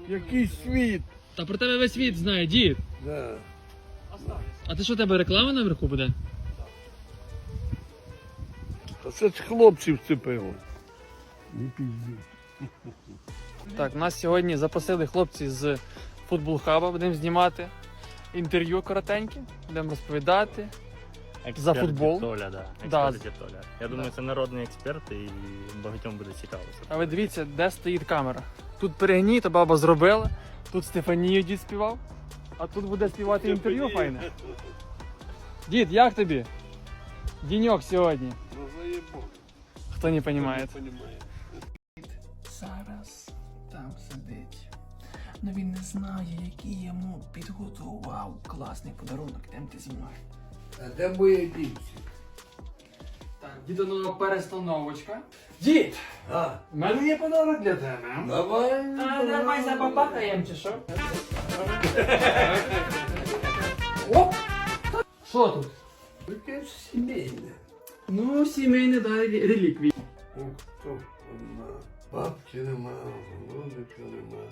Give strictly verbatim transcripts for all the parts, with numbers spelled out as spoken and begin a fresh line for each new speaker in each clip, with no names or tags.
Який світ.
Та про тебе весь світ знає, дід.
Да.
А ти що, тебе реклама наверху буде?
Та це ж хлопці вцепило. Не пізді.
Так, нас сьогодні запросили хлопці з Футбол Хаба, будемо знімати інтерв'ю коротеньке, будемо розповідати.
Експерт
За футбол?
Толя, да.
Да.
Експерт Толя. Я думаю, це народний експерт і багатьом буде цікаво.
А ви дивіться, де стоїть камера. Тут перегній, то баба зробила, тут Стефанію дід співав, а тут буде співати інтерв'ю файне. Дід, як тобі? Діньок сьогодні.
Ну заєбок.
Хто не розуміє.
Не понімає.
Зараз там сидить. Ну він не знає, який йому підготував класний подарунок. Йдем ти зі мною.
А де моє дівці?
Так, дідонова перестановочка. Дід!
А,
У мене є подарунок для тебе.
давай.
А, давай забабахаєм чи що? Оп! Що тут?
Яке сімейне.
Ну, сімейне, да, реліквії.
Ну, хто одна? Бабки нема, голубика нема.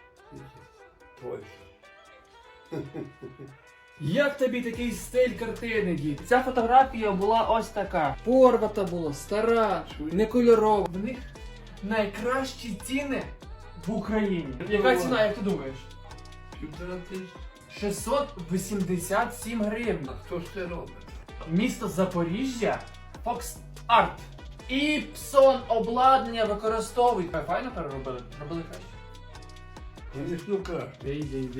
Польща.
Як тобі такий стиль картини, дід? Ця фотографія була ось така. Порвата була, стара, не кольорова. В них найкращі ціни в Україні. Яка ціна, як ти думаєш?
Півтора тисячі.
шістсот вісімдесят сім гривень.
А хто ж це робить?
Місто Запоріжжя, Fox Art. Іпсон обладнання використовують. Файно переробили? Робили краще.
Звісно, краще.
Іди, іди, іди.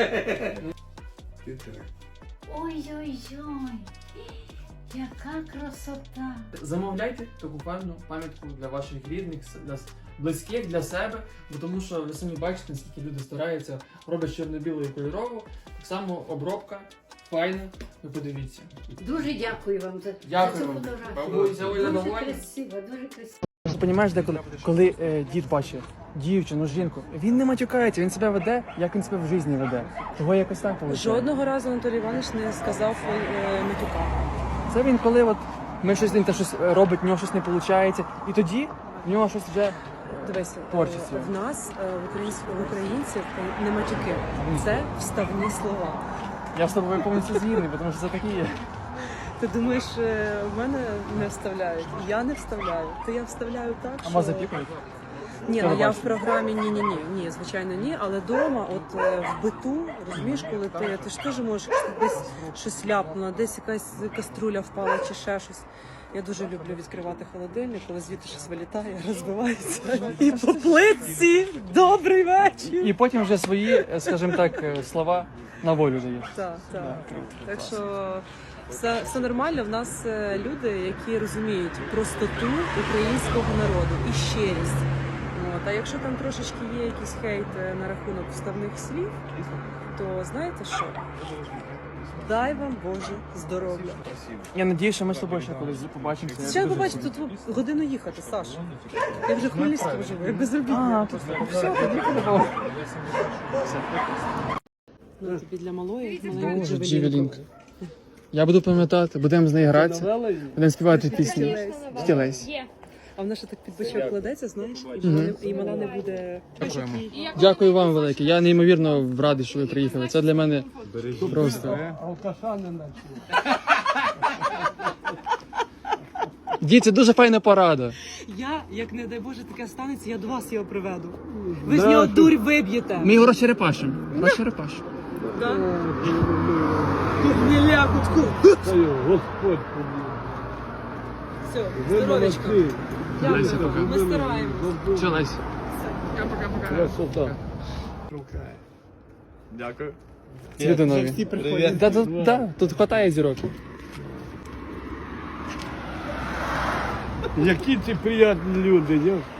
Ти так.
Ой-ой-ой, яка красота!
Замовляйте таку файну пам'ятку для ваших рідних, для близьких, для себе, бо тому що ви самі бачите, наскільки люди стараються, роблять чорно-білу і кольорову, так само обробка, файна, ви подивіться.
Дуже дякую вам за,
Дякую
за цю
вам.
фотографію.
Ви взяли
Дуже
задоволення?
красиво, дуже красиво.
Ти розумієш, деколи, коли е, дід бачить дівчину, жінку, він не матюкається, він себе веде, як він себе в житті веде. Того якось так виходить.
Жодного разу Анатолій Іванович не сказав е, матюка.
Це він коли от ми щось він та щось робить, в нього щось не виходить, і тоді в нього щось вже
Дивися,
Творчість.
е, в нас, е, в українців, в українців е, не матюки. Це вставні слова.
я з тобою повністю згідний, тому що це такі є.
Ти думаєш, е, в мене не вставляють? Я не вставляю. То я вставляю так,
А
що...
вас запікують?
Ні,
Що
ну
ви
я в
бачите?
програмі ні-ні-ні, ні, звичайно, ні, але вдома, от е, в биту, розумієш, коли ти, ти ж теж можеш десь щось ляпнуло, десь якась каструля впала чи ще щось. Я дуже люблю відкривати холодильник, коли звідти щось вилітає, розбивається. І по плитці добрий вечір.
І потім вже свої, скажімо так, слова на волю даєш.
Так, так. Так що все, все нормально. В нас е, люди, які розуміють простоту українського народу і щирість. От. А якщо там трошечки є якийсь хейт е, на рахунок вставних слів, то знаєте що? Дай вам Боже здоров'я.
Я надію, що ми з тобою ще колись побачимося.
Зараз побачите, тут годину їхати, Саш. Я вже в Хмельницькому живу, я безробітна.
А, тут все, тоді подобало.
Ну, тобі для малої, маленької
Боже,
джевелінки.
Джевелінка. Я буду пам'ятати, будемо з нею гратися, будемо співати пісні. Стілець.
А вона ще так під бочок кладеться, знаєш, і мала, і мала не буде...
Дякуємо. Дякую вам велике. Я неймовірно радий, що ви приїхали. Це для мене просто.
Алкаша не наче.
Дід, це дуже файна порада.
Я, як не дай Боже, таке станеться, я до вас його приведу. Ви з нього дурь виб'єте.
Ми його розчерепашимо. Розчерепашимо.
Тут не лягутку.
Та його Господь побіг.
Все,
Ви
здоровечко.
молодці.
Леся,
Дякую,
пока.
ми стараємось.
Все, Лесь.
Красота.
Дякую.
Цвіти нові. Да, тут, да, тут хватає зірок.
Які ці приємні люди, я